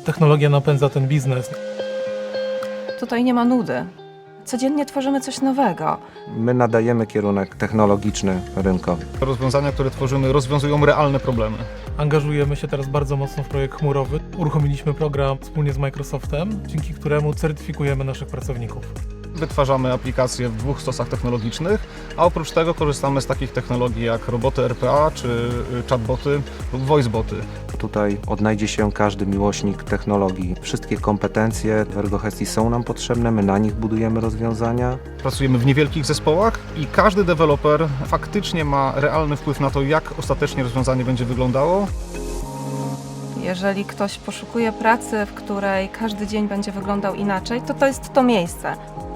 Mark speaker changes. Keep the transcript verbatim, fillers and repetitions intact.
Speaker 1: Technologia napędza ten biznes.
Speaker 2: Tutaj nie ma nudy. Codziennie tworzymy coś nowego.
Speaker 3: My nadajemy kierunek technologiczny rynkowi.
Speaker 4: Rozwiązania, które tworzymy, rozwiązują realne problemy.
Speaker 1: Angażujemy się teraz bardzo mocno w projekt chmurowy. Uruchomiliśmy program wspólnie z Microsoftem, dzięki któremu certyfikujemy naszych pracowników.
Speaker 4: Wytwarzamy aplikacje w dwóch stosach technologicznych, a oprócz tego korzystamy z takich technologii jak roboty R P A, czy chatboty lub voiceboty.
Speaker 3: Tutaj odnajdzie się każdy miłośnik technologii. Wszystkie kompetencje w Ergogestii są nam potrzebne, my na nich budujemy rozwiązania.
Speaker 4: Pracujemy w niewielkich zespołach i każdy deweloper faktycznie ma realny wpływ na to, jak ostatecznie rozwiązanie będzie wyglądało.
Speaker 2: Jeżeli ktoś poszukuje pracy, w której każdy dzień będzie wyglądał inaczej, to to jest to miejsce.